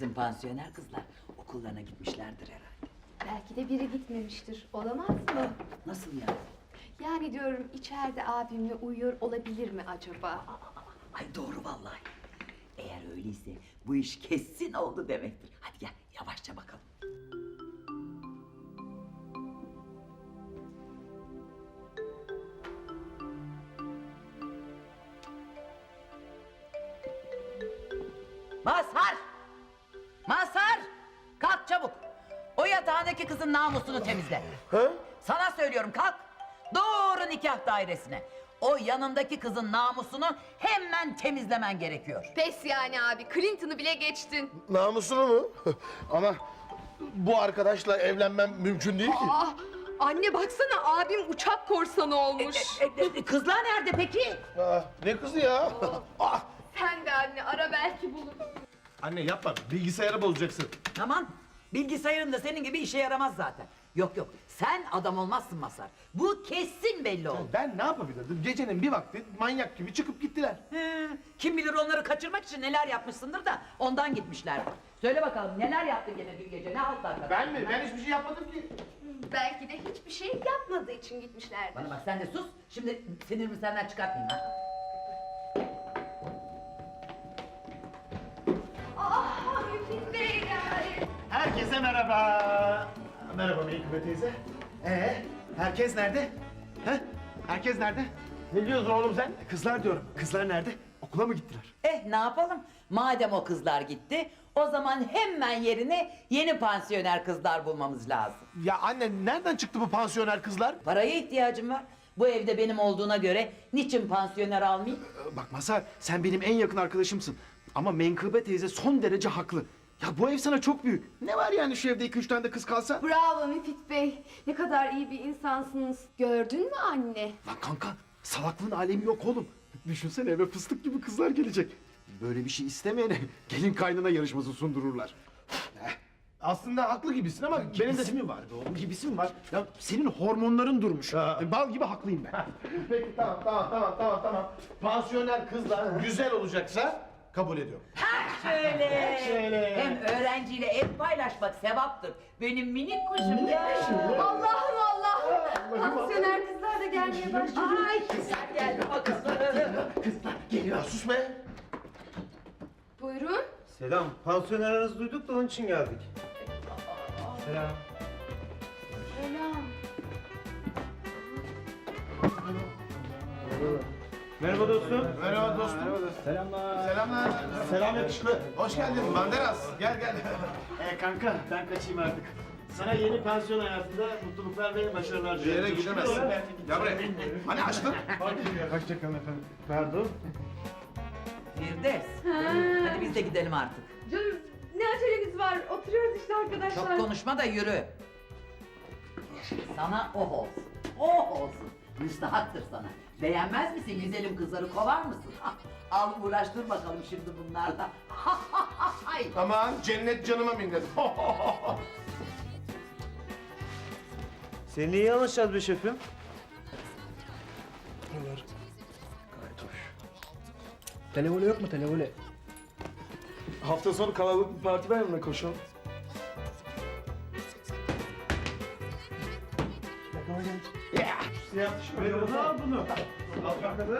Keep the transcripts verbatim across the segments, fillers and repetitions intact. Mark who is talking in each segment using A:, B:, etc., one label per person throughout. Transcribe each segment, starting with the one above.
A: Bizim pansiyoner kızlar okullarına gitmişlerdir herhalde.
B: Belki de biri gitmemiştir. Olamaz mı?
A: Nasıl yani?
B: Yani diyorum içeride abimle uyuyor olabilir mi acaba?
A: Ay doğru vallahi. Eğer öyleyse bu iş kesin oldu demektir. Hadi gel yavaşça bakalım. Mazhar! Mazhar! Kalk çabuk. O yatağındaki kızın namusunu temizle.
C: Ha?
A: Sana söylüyorum kalk. Doğru nikah dairesine. O yanındaki kızın namusunu hemen temizlemen gerekiyor.
B: Pes yani abi. Clinton'ı bile geçtin.
C: Namusunu mu? Ama bu arkadaşla evlenmem mümkün değil ki.
B: Ah, anne baksana abim uçak korsanı olmuş.
A: E, e, kızlar nerede peki?
C: Aa, ne kızı ya? Ah!
B: Sen de anne ara belki bulur.
C: Anne yapma, bilgisayarı bozacaksın.
A: Aman bilgisayarın da senin gibi işe yaramaz zaten. Yok yok sen adam olmazsın Mazhar. Bu kesin belli oldu.
C: Ben ne yapabilirdim? Gecenin bir vakti manyak gibi çıkıp gittiler.
A: He, kim bilir onları kaçırmak için neler yapmışsındır da ondan gitmişler. Söyle bakalım neler yaptın gene dün gece ne haltlar kadar?
C: Ben mi? Ben hiçbir şey yapmadım ki.
B: Belki de hiçbir şey yapmadığı için gitmişlerdir.
A: Bana bak sen de sus. Şimdi sinirimi senden çıkartmayayım ha.
B: Ah Müfit Bey yani.
D: Herkese merhaba. Merhaba Meykıbe teyze. Ee, herkes nerede? He? Herkes nerede?
C: Ne diyorsun oğlum sen?
D: Kızlar diyorum. Kızlar nerede? Okula mı gittiler?
A: Eh ne yapalım? Madem o kızlar gitti, o zaman hemen yerine yeni pansiyoner kızlar bulmamız lazım.
C: Ya anne nereden çıktı bu pansiyoner kızlar?
A: Paraya ihtiyacım var. Bu evde benim olduğuna göre niçin pansiyoner almayayım?
D: Ee, Bak Mazhar, sen benim en yakın arkadaşımsın. Ama Menkıbe teyze son derece haklı. Ya bu ev sana çok büyük. Ne var yani şu evde iki üç tane de kız kalsa?
B: Bravo Müfit Bey. Ne kadar iyi bir insansınız. Gördün mü anne?
D: Lan kanka, salaklığın alemi yok oğlum. Düşünsene eve fıstık gibi kızlar gelecek. Böyle bir şey istemeyene gelin kaynana yarışması sundururlar.
C: Aslında haklı gibisin ama benim de...
D: Gibisi mi var be oğlum? Gibisi mi var? Ya senin hormonların durmuş.
C: Ha.
D: Bal gibi haklıyım ben.
C: Peki tamam tamam tamam tamam tamam. Pansiyoner kızlar güzel olacaksa kabul ediyorum.
A: Şöyle.
C: Şöyle.
A: Hem öğrenciyle ev paylaşmak sevaptır. Benim minik kuşum ya.
B: Allah'ım Allah'ım. Pansiyoner kızlar da gelmeye başladı.
A: Ay kızlar geldi bakalım.
C: Kızlar geliyor. Sus be.
B: Buyurun.
E: Selam. Pansiyoner aranızı duyduk da onun için geldik. Selam.
B: Selam.
E: Merhaba dostum.
C: Merhaba dostum.
D: Selamlar.
C: Selamlar.
D: Selam yakışıklı.
C: Hoş geldin Banderas. Gel gel.
D: Ee, kanka ben kaçayım artık. Sana yeni pansiyon hayatında mutluluklar ve başarılar
C: Bir
D: diliyorum.
C: yere gidemezsin. Gel buraya. Hani açtın?
D: Hoşçakalın efendim. Pardon.
A: Firdevs. Hadi biz de gidelim artık.
B: Canım ne acelemiz var? Oturuyoruz işte arkadaşlar.
A: Çok konuşma da yürü. Sana oh olsun. Oh olsun. Müstahaktır sana. Beğenmez misin güzelim kızları kovar mısın? Al uğraştır bakalım şimdi bunlarla. Ay.
C: Aman cennet canıma minnet.
E: Seninle iyi anlaşacağız be şefim.
F: Televole yok mu televole? Hafta sonu kalabalık bir parti var mı koşalım?
D: Siyah tişörtü al bunu. Al bakalım.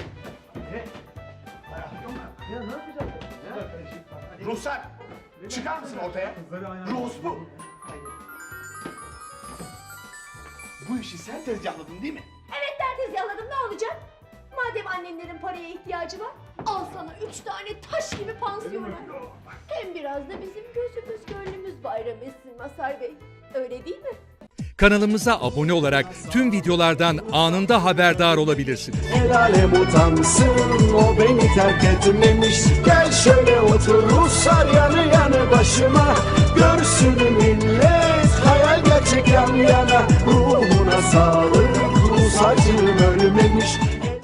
E: Ya ne yapacağız?
C: Ruhsar. Çıkar mısın ortaya? Ruhs bu. Bu işi sen tezgahladın değil mi?
G: Evet ben tezgahladım ne olacak? Madem annenlerin paraya ihtiyacı var, al sana üç tane taş gibi pansiyona. Hem biraz da bizim gözümüz gönlümüz bayram etsin Mazhar Bey. Öyle değil mi?
H: Kanalımıza abone olarak tüm videolardan anında haberdar olabilirsiniz.
I: El alem utansın o beni terk etmemiş. Gel şöyle otur Ruslar yanı yanı başıma. Görsün